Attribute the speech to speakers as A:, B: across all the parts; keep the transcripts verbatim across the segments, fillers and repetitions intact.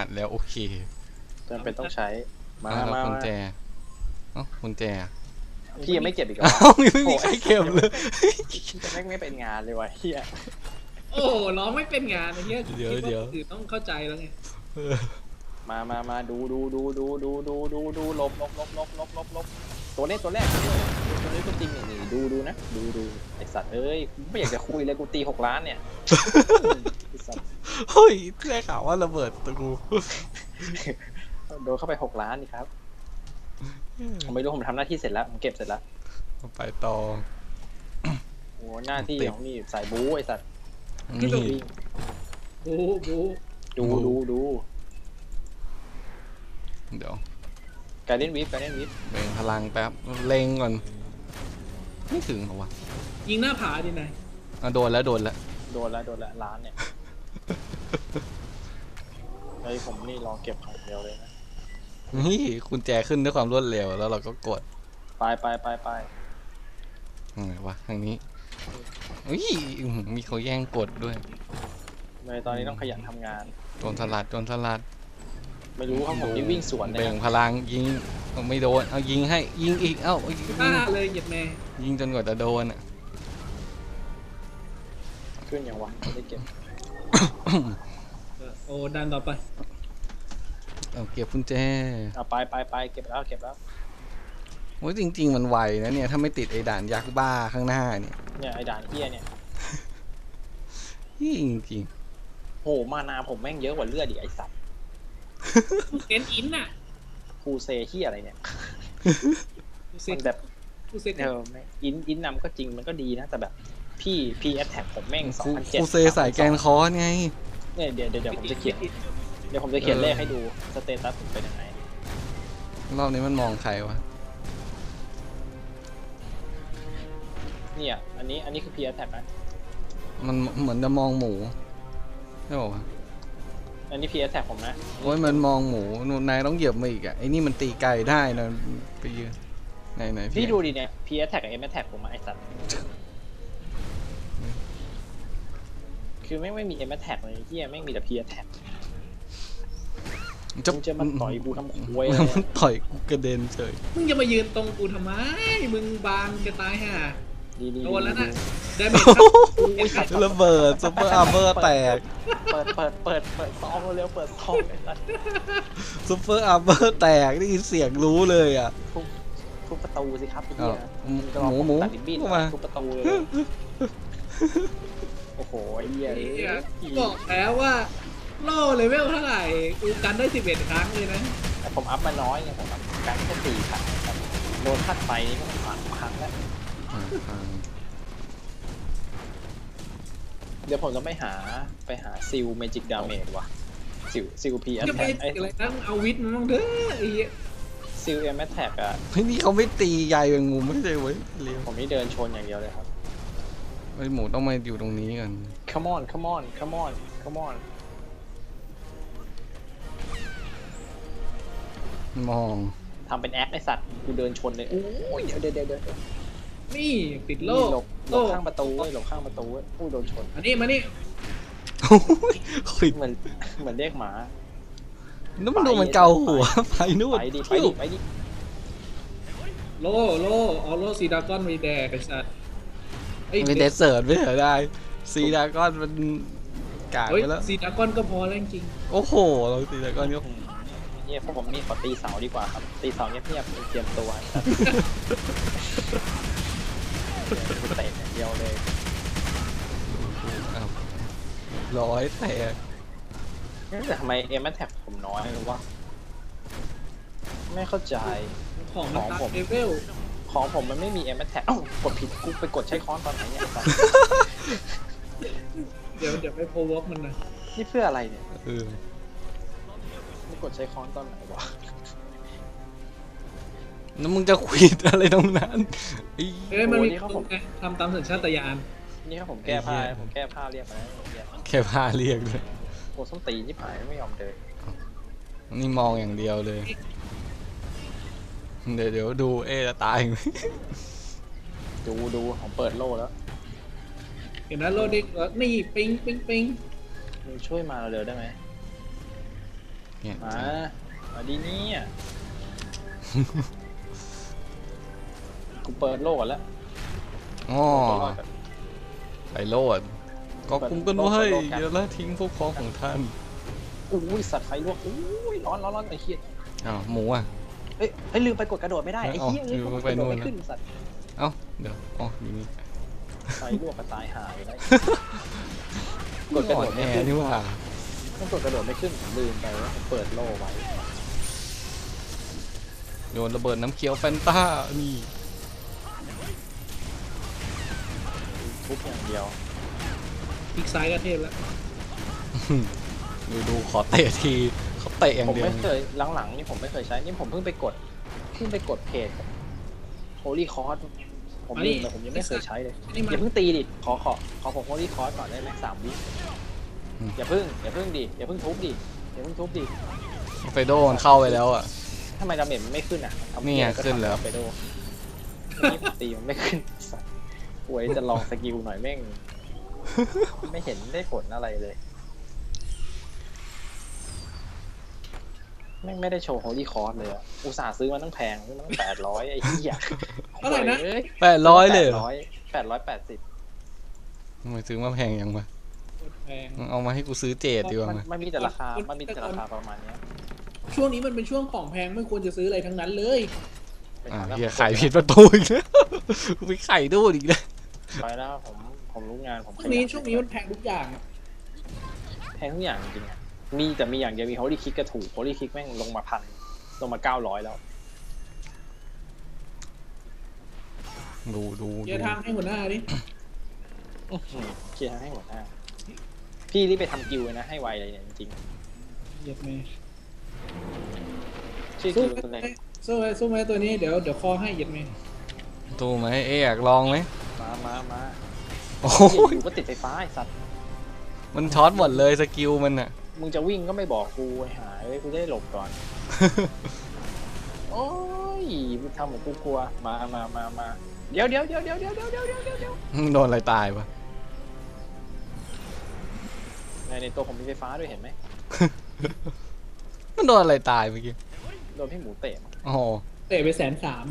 A: อัดแล้วโอเค
B: จำเป็นต้องใช้มามา
A: กุญแจเอ้ากุญแจ
B: พี่ยังไม่เก็บอีกเหรอ
A: เอ้าไม่มีใครเก็บเลย
B: จะไม่ไม่เป็นงานเลยวะเฮีย
C: โอ้ร้องไม่เป็นงานไอ้เหี้ยเดี๋ยวเดี๋ยวคือต้องเข้าใจแล้วไง
B: มามามาดูดูดูดูดูดูดูดูลบลบลบลบลบลบลบตัวนี้ตัวแรกตัวนี้ตัวจริงนี่ดูดูนะดูดูไอสัตว์เอ้ยไม่อยากจะคุยเลยกูตีหกล้านเนี่ยไอสัตว์
A: เฮ้ยได้ข่าวว่าระเบิดตัวกู
B: โดนเข้าไปหกล้านนี่ครับผมไม่รู้ผมทำหน้าที่เสร็จแล้วผมเก็บเสร็จแล้ว
A: ไปต่อ
B: โอ้หน้าที่ของนี่ใส่บู๊ไอสัตว์
A: นี่
C: บูบู
B: ดูดูดู
A: เดี๋ยว
B: การเล่นวิฟการเล่นวิฟ
A: เบ่งพลังแป๊บเล็งก่อนไม่ถึงเหรอวะ
C: ยิงหน้าผาดินาย
A: อ่ะโดนแล้วโดนแล้ว
B: โดนแล้วโดนแล้วล้านเนี่ยไอผมนี่รอเก็บของเดียวเลยนะ
A: นี่กุญแจขึ้นด้วยความรวดเร็วแล้วเราก็กด
B: ไปไปไปไป
A: ไงวะทางนี้อุ้ยมีเขาแย่งกดด้วย
B: เลยตอนนี้ต้องขยันทำงาน
A: โดนสลัดโดนสลัด
B: ไม่รู้ครับผมนี่วิ่งสวนเลย
A: เบ่งพลังยิงไม่โดนเอายิงให้ยิงอีกเอ้า
C: บ้าเลยเหยียดแม่
A: ยิงจนกว่าจะโดนอ่ะ
B: ขึ้นอย่างวะไม่ได้เก็บ
C: โอ้ดันต่อไป
A: เอาเก็บกุญแจ
B: เอาไปไปไปเก็บแล้วเก็บแล้ว
A: โอ้ยจริงๆมันไวนะเนี่ยถ้าไม่ติดไอ้ด่านยักษ์บ้าข้างหน้าเนี่ย
B: เนี่ยไอ้ด่านเฮียเนี่ย
A: จริงจริง
B: โหมานาผมแม่งเยอะกว่าเลือดดิไอสัตว์
C: เซนอินน่ะ
B: คูเซเฮียอะไรเนี่ยมันแบบเอออินอินนำก็จริงมันก็ดีนะแต่แบบพี่พีแอทแท็กผมแม่งสองพันเจ็ด
A: คูเซใส่แกนคอร์สไง
B: เนี่ยเดี๋ยวเดี๋ยวผมจะเขียนเดี๋ยวผมจะเขียนเลขให้ดูสเตตัสผมเป็นยังไง
A: รอบนี้มันมองใครวะ
B: เนี่ยอันนี้อันนี้คือพีแอทแท็กนะ
A: มันเหมือนจะมองหมูใช่ป่าว
B: อันนี้พีแอทแท็กผมนะ
A: โอ้ยมันมองหมูนายต้องเหยียบมาอีกอ่ะไอ้นี่มันตีไก่ได้นะไปยืนไหนไหน
B: พี่ดูดิเนี่ยพีแอทแท็กกับเอ็มแอทแท็กผมมาไอสัตว์คือไม่ไม่มีเอ็มแอทแท็กเลยที่ไม่มีแต่พีแอทแท็กจะจะมันต่อยกูทำควยเลย
A: ต่อยกูกระเด็นเฉย
C: มึงจะมายืนตรงกูทำไมมึงบางจะตายห่าโดนแล้วนะได้ไหม
A: ครับระเบิดซุปเปอร์อาร์เบอร์แตก
B: เปิดเปิดเปิดเปิดซองเร็วเปิดซอง
A: ซุปเปอร์อาร์เบอร์แตกได้ยินเสียงรู้เลยอ่ะ
B: ทุบทุบประตูสิครับพี่
A: หมูหมู
B: มาทุบประตูเลยโอ้โหไอ้เหี้ย
C: บอกแล้วว่าโล่เลเวลเท่าไหร่กูกันได้สิบเอ็ดครั้งเลยนะ
B: แต่ผมอัพมาน้อยไงผมอัพกันแค่สี่ครั้งโดนทัดไปนี่ก็สามครั้งแล้วเดี๋ยวผมจะไม่หาไปหาซิลเมจิกดาเมจว่ะซิลซิลพีแอทแท็ก
C: ไอ้อะไรตั้งเอาวิทมันต้องเด้อไอ้
B: ซิลเอ็มแอทแท็กอะ
A: เฮ้ยนี่เขาไม่ตีใหญ่เป็นงูไม่ใช่เว้ย
B: ผมนี่เดินชนอย่างเดียวเลยครับ
A: ไอ้หมูต้องมาอยู่ตรงนี้กัน
B: come on come on come on come on
A: มอง
B: ทำเป็นแอคไอสัตว์กูเดินชนเลยโอ้ยเดี๋ยวเดี๋ยวเดี๋ยว
C: นี่ติดโล่
B: หลบหลบข้างประตูหลบข้างประตูผู้โดนชน
C: อันนี้มานี่
B: เหมือนเหมือนเรียกหมา
A: นั่นมันดูมันเกาหัวไปนู่น
B: ไปดิไปดิไปดิ
C: โล่โล่เอาโล่ซีดากอนไปแดกไอสัตว์
A: ไม่เดสเซิร์ตไม่เหรอได้ซีดากอนมันกากไปแล้ว
C: ซีดากอนก็พอแล้วจริง
A: โอ้โหเราซีดากอนก็
B: เนี่ยพวกผมนี่ขอตีเสาดีกว่าครับตีเสาเงียบๆเตรียมตัวเตะเดียวเลย
A: ร้อยแตก
B: แต่ทำไมเอ็มแอทแท็กผมน้อยหรือว่าไม่เข้าใจ
C: ของของผมเลเวล
B: ของผมมันไม่มีเอ็มแอทแท็กกดผิดกูไปกดใช้ค้อนตอนไหนเนี่ย
C: เดี๋ยวเดี๋ยวไปโพวอกมันนะ
B: นี่เพื่ออะไรเนี่ย
A: เออ
B: ไม่กดใช้ค้อนตอนไหนวะ
A: แล้วมึงจะควิดอะไรตรงนั้น
C: เอ้ยมันมีเขาผมทำตามสัญชาตญาณ
B: นี่ครับผมแก้ผ้าผมแก้ผ้าเรียกมา
A: แค่ผ้าเรียกเลย
B: โอ้ส้นตีนที่ผายไม่ยอมเดิน
A: นี่มองอย่างเดียวเลยเดี๋ยวเดี๋ยวดูเอ๊จะตายไหม
B: ดูดูผมเปิดโล่แล้ว
C: เห็นนะโล่ดินี่ปิงปิงปิง
B: มึงช่วยมาเร็วได้ไหม
A: เนี่ย
B: มามาดีเนี่ยกูเปิดโลกก่อนแล้ว
A: อ๋อ
B: เปิดโลกก่อน
A: ไปโลดก็คุ้มกันไว้อย่าละทิ้งพวกพ้องของท่าน
B: อุ้ยสัตว์ไฟลวกอุ้ยร้อนร้อนร้อนไอ้เหี้ย
A: อ้าวหมูอ่ะ
B: เฮ้ยเฮ้ยลืมไปกดกระโดดไม่ได้ไอ้เหี้ย
A: เอ้า
B: เอ้ย
A: ลืม
B: ก
A: ไป
B: ดกระโดด
A: นู่น
B: ไม่
A: นะ
B: ขึ้นสัตว์
A: เอ้าเดี๋ยวอ๋ออยู่นี่
B: ไฟลวกก็ตายหายได้ ก
A: ก
B: ด
A: ด
B: กระ
A: ก
B: โด
A: ด
B: ด
A: แอ
B: ไม่ขึ้น
A: ร์นี่ว่า
B: ต้องกดกระโดดไม่ขึ้นผมลืมไปว่าผมเปิดโล่ไว้
A: โยนระเบิดน้ำเขียวแฟนต้านี่
B: ทุบอย่างเดียว
C: พลิกซ้ายก็เทพแล้ว
A: ดูดูขอเตะทีเขาเตะอย่าง
B: ผม
A: เดียว
B: ไม่เคยหลังๆนี่ผมไม่เคยใช้นี่ผมเพิ่งไปกดเพิ่งไปกดเพจ Holy Cross ผมลืมเลยผมยังไม่เคยใช้เลย
C: นี่
B: อ
C: มัน
B: ย่าเพิ่งตีดิขอขอขอผม Holy Cross ก่อนได้ไหมสามวิอย่าเพิ่งอย่าเพิ่งดิอย่าเพิ่งทุบดิอย่าเพิ่งทุบดิ
A: ไฟโดมันเข้าไปแล้วอ่ะ
B: ทำไมดาเมจมันไม่ขึ้นอ่ะทำ
A: นี่ไง
B: ก็
A: ขึ้นแล้ว
B: ทำไปโดนี่ผมตีมันไม่ขึ้นสัสป่วยจะลองสกิลหน่อยแม่ง ไม่เห็นได้ผลอะไรเลยแม่งไม่ได้โชว์ Holy Cross เลยอะอุตส่าห์ซื้อมาตั้งแพงซื้อมาตั้งแปดร้อยไอ้เหี้ย
C: เท่าไหร่นะ
B: โอ้ย
A: แปดร้อยเลย
B: แป
A: เหร
B: ด
A: อ
B: ร้อยแปดร้อยแปดสิบ
A: ทำไมซื้อมาแพงยังวะ
C: แพง
A: เอามาให้กูซื้อเจดดีกว่า
B: มัน
A: ไหม
B: มันมีแต่ราคา มันมีแต่ราคาประมาณเนี้ย
C: ช่วงนี้มันเป็นช่วงของแพงไม่ควรจะซื้ออะไรทั้งนั้นเลย
B: ไป
A: อ่า
B: ทำแล้ว
A: เฮียไข่ผิดประตูอีกแล้วกูไปไข่ดูอีกแล้ว
B: ไปแล้วผมผมรู้งานผม
C: ช่วงนี้ช่วงนี้มันแพงทุกอย่างอะ
B: แพงทุกอย่างจริงๆอะมีแต่มีอย่างเดียวมี Holy Kick กระถูก Holy Kick แม่งลงมาพันลงมาเก้าร้อยแล้ว
A: ดูดู
C: เดี๋ยว
A: ดู
C: ทางให้หัวหน้าดิ
B: อื้อหือเคลียร์ให้หมดหน้าพี่รีบไปทำกิวเลยนะให้ไวเลยเนี่ยจริง
C: เหยียดเมย์
B: ๆชื่อ
C: สู้
B: กิวตัว
C: ไหม
B: เล็ก
C: สู้ไหมสู้ไหมตัวนี้เดี๋ยวเดี๋ยวคอให้เหยียดเมย์
A: ดูไหมเอ๊ะอยากลองไหม
B: มามามา
A: โอ้
B: เหี้ย
A: ย
B: อยู่ก็ติดไฟฟ้าไอ้สัตว์
A: มันช็อตหมดเลยสกิลมันอ่ะ
B: มึงจะวิ่งก็ไม่บอกกูไอ้หายกูจะได้หลบก่อน โอ้ยมึงทำเหมือนกูกลัว มามามามาเดี๋ยวเดี๋ยวเดี๋ยวเดี๋ยวเดี๋ยวเดี๋ยวเดี๋ยวเดี๋ยวเดี๋ยว
A: โดนอะไรตายปะ
B: ในในตัวผมมีไฟฟ้าด้วยเห็นไหม
A: มันโดนอะไรตายเมื่อกี้
B: โดนพี่หมูเตะมา
A: โอ้โห
C: เตะไปแสนสาม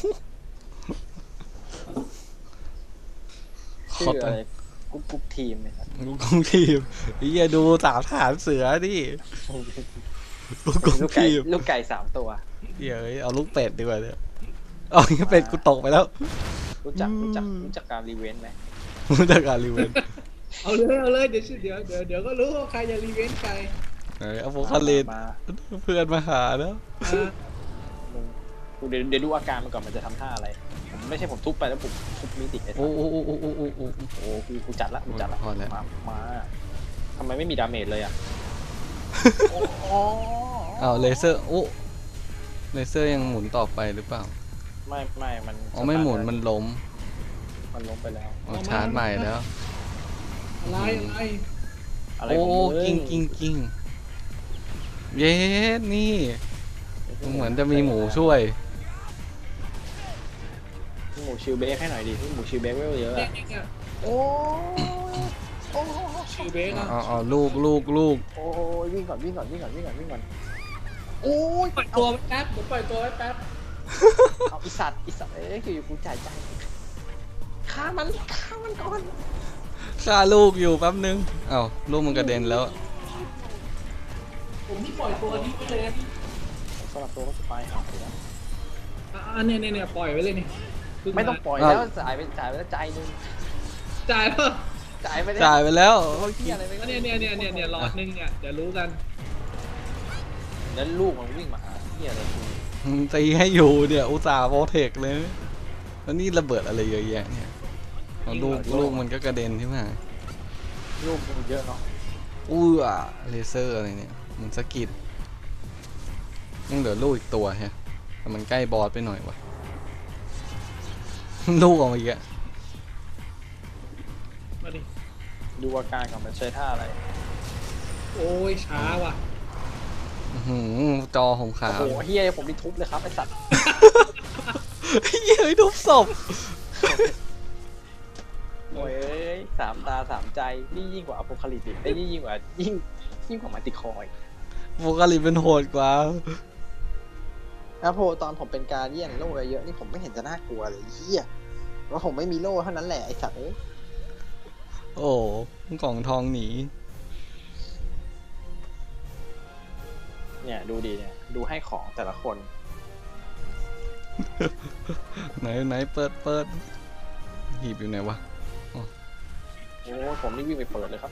B: ชื่ออะไรกุ๊กกุ๊กทีมเลยครับ
A: กูกงทีมไอ้เหี้ยดูสามฐานเสือดิกูกง
B: ลูกไก่
A: ทีม
B: ลูกไก่สามตัว
A: เดี๋ยวเอาลูกเป็ดดีกว่าเนี่ยเอาอย่างนี้เป็ดกูตกไปแล้ว
B: รู้จัก
A: อืม
B: รู้จักรู้จักการรีเวนต์ไหม
A: รู้จักการรีเวน
C: เอาเลยเอาเลยเดี๋ยวเดี๋ยวเดี๋ยวเดี๋ยวก็รู้ว่าใครจะรีเวนต์ใคร
A: เอ้ยเอาโฟกัสเลน
B: มา
A: เพื่อนมาหาแล้ว
C: อ่า
B: มึงกูเดี๋ยวเดี๋ยวดูอาการมันก่อนมันจะทำท่าอะไรผมไม่ใช่ผมทุบไปแล้วผมทุบมิติไอ้สั
A: โอ้
B: ส
A: โอ้โอ้โอ้โอ้โอ้โอ้
B: โอ้กูกูจัดละกูจัดละ
A: พอแล้ว
B: มามาทำไมไม่มีดาเมจเลยอ่ะโอ้โห
A: เอาเลเซอร์โอ้เลเซอร์ยังหมุนต่อไปหรือเปล่า
B: ไม่ไม่มัน
A: อ๋อไม่หมุนมันล้ม
B: มันล้มไปแล้ว
A: อ๋อชาร์จใหม่แล้ว
C: อะไรอะไร
B: อะไร
A: โอ้
B: ของมึ
A: กิ้งกิ้งกิ้งเย้นี่เหมือนจะมีหมูช่วย
B: พี่หมูชิลเบคให้หน่อยดิพี่หมูชิลเบคเวลเยอะ
C: เนี่ย
B: อะ
C: เนี่ยเนี่ย
B: โอ้โอ้
C: ชื่อเบส
A: อ๋
C: นะ
A: ออ๋อลูกลูกลูก
B: โอ้ยวิ่งก่อนวิ่งก่อนวิ่งก่อนวิ่งก่อนวิ่งก่อนโอ้ย
C: ปล่อยตัวไว้แป๊บเดี๋ยวปล่อยตัวไว้แป๊บ
B: เอาอีสัตว์อีสัตว์เอ้ยอยู่ๆกูจ่ายใจฆ่ามันฆ่ามันก่อน
A: ฆ่าลูกอยู่แป๊บนึงเอ้าลูกมันกระเด็นแล้ว
C: ผมที่ปล่อยตัวนี้ไปเลยนะ
B: สำหรับตัวก็สปายหายแล้ว
C: อ่าเนี่ยเนี่ยเนี่ยปล่อยไว้เลยนี่เพิ่
B: ไม่ต้องปล่อยแล้วจ่ายไปจ่ายไปแล้วใจนึง
C: จ่ายเพิ่ม
B: จ่ายไปเลย
A: จ่ายไปแล้ว
B: เขาเที่ยอะไรไป
C: เนี่ยเนี่ยเนี่ยเนี่ยเนี่ยหลอดหนึงเนี่ยเดี๋ยวรู้กัน
B: แล้วลูกมันวิ่งมาหาเที่ยอะไรกู
A: ตีให้อยู่เนี่ยอุตส่าห์โปรเทคเลยแล้วนี่ระเบิดอะไรเยอะแยะเนี่ยเอาลูกลูกมันก็กระเด็นใช่ไหม
B: ลูกมันเยอะเนาะ
A: อู้อ่ะเลเซอร์อะไรเนี่ยมันสะกิดยังเหลือลูกอีกตัวฮะแต่มันใกล้บอสไปหน่อยวะ ลูกออกมาอีกอะ
C: มาดิ
B: ดูอาการก่อนมันใช้ท่าอะไร
C: โอ้ยช้าว่ะ
A: อื้อหือจอผมขา
B: โอ้
A: ว
B: โหเฮียผมนี่ทุบเลยครับไอสัตว์
A: เย้ยทุบศพ
B: โอ้ยเอ้ยสามตาสามใจนี่ยิ่งกว่าอโพคาลิปติกไอ้ยนี่ยิ่งกว่ายิ่งยิ่งกว่ามาติคอย
A: อโฟกัสลินเป็นโหดกว่า
B: อะโพตอนผมเป็นการเยี่ยนโล่เยอะๆนี่ผมไม่เห็นจะน่ากลัวเลยเฮียว่าผมไม่มีโล่เท่านั้นแหละไอสัตว์เอ้ย
A: โอ้กล่องทองหนี
B: เนี่ยดูดีเนี่ยดูให้ของแต่ละคน
A: ไหนไหนเปิดเปิดหีบอยู่ไหนวะ
B: โอ้ผมนี่วิ่งไปเปิดเลยครับ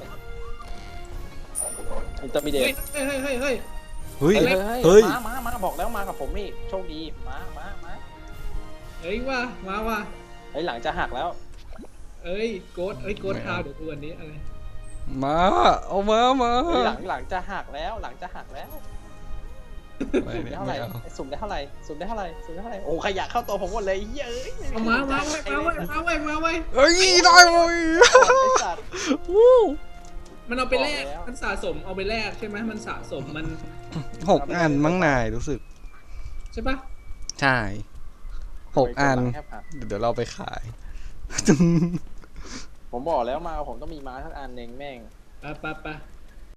B: อินเตอร์มีเด
C: เฮ้ย
B: ต
C: เฮ้ยเฮ้ยเฮ้ย
A: เฮ้ย
B: เฮ้ยเฮ้ย
A: เฮ้ย
B: มามามาบอกแล้วมากับผมนี่โชคดีมามามา
C: เฮ้ยว่ามาว่า
B: เฮ้ยหลังจะหักแล้ว
C: เอ้ยโกดเอ้ยโกดทาวเดี๋ยวดูอันนี้อะไร
A: มาเอามามา
B: เฮ้ยหลังหลังจะหักแล้วหลังจะหักแล้ว
A: ไม่
B: สุ่ม
A: เนี่
B: ได้
A: ย
B: เท่าไห
A: ไม่
B: ร่
A: เอา
B: สุ่มได้เท่าไหร่สุ่มได้เท่าไหร่สุ่มได้เท่าไหร่โอ้ขยะเข้าตัวผมหมดเลยเฮ้ย
C: เอามามาไว้มาไว้มาไว้มาไว้
A: เฮ้ยได้เว้ย
B: ไอ้สัตว์
A: วู้
C: มันเอาไปแลก
B: บอกแล้ว
C: มันสะสมเอาไปแลกใช่ไหมมันสะสมมัน
A: หกอันมั้งนายรู้สึก
C: ใช่ปะ
A: ใช่หกอัน
B: แทบหัก
A: เดี๋ยวเราไปขาย
B: ผมบอกแล้วมาผมต้องมีม้าสักอันหนึ่งแม่ง
C: ไปไปไป